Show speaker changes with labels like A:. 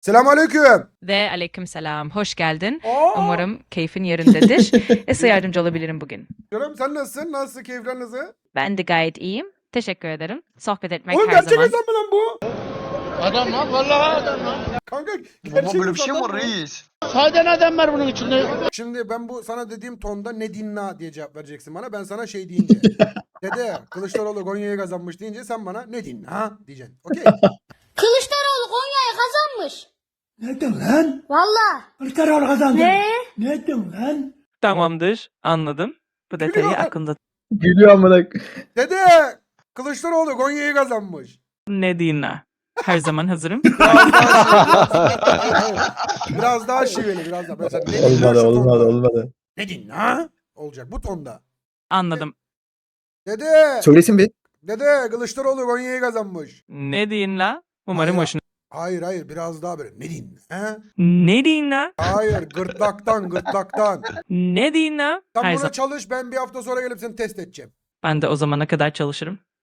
A: Selamünaleyküm.
B: Ve aleykümselam. Hoş geldin.
A: Aa,
B: Umarım keyfin yerindedir. Nasıl yardımcı olabilirim bugün?
A: canım sen nasılsın? Nasıl keyifler nasıl?
B: Ben de gayet iyiyim. Teşekkür ederim. Sohbet etmek
A: Oğlum
B: her
A: gerçek
B: zaman.
A: insan mı lan bu?
C: Adam lan vallahi adam lan.
A: Kanka
D: Baba
A: gerçek
D: böyle bir şey mi
A: insan
D: var
A: lan bu.
D: reis?
C: Sade adam var bunun içinde.
A: Şimdi ben bu sana dediğim tonda ne dinla diye cevap vereceksin bana. Ben sana şey deyince. Dede Kılıçdaroğlu Konya'yı kazanmış deyince sen bana ne dinla diyeceksin. Okey.
E: Kılıçdaroğlu Konya'yı kazanmış.
F: Ne diyorsun lan?
E: Valla.
F: Kılıçdaroğlu kazandı.
E: Ne?
F: Ne diyorsun lan?
G: Tamamdır, anladım. Bu detayı
A: Gülüyor.
G: aklımda.
H: Gülüyor amına.
A: Dede Kılıçdaroğlu Konya'yı kazanmış.
G: Ne dinle? Her zaman hazırım.
A: Biraz daha şiveli biraz daha. Mesela ne dinla
H: Olmadı
A: şu
H: olmadı
A: tonda.
H: olmadı.
A: Ne dinla? Olacak bu tonda.
G: Anladım.
A: Dede.
H: Söylesin bir.
A: Dede Kılıçdaroğlu Konya'yı kazanmış.
G: Ne dinle? Umarım
A: Hayır.
G: hoşuna.
A: Hayır biraz daha böyle. Ne dinla?
G: Ne dinle?
A: Hayır gırtlaktan.
G: Ne dinle?
A: Sen
G: Her
A: buna
G: zaman.
A: çalış ben bir hafta sonra gelip seni test edeceğim.
G: Ben de o zamana kadar çalışırım.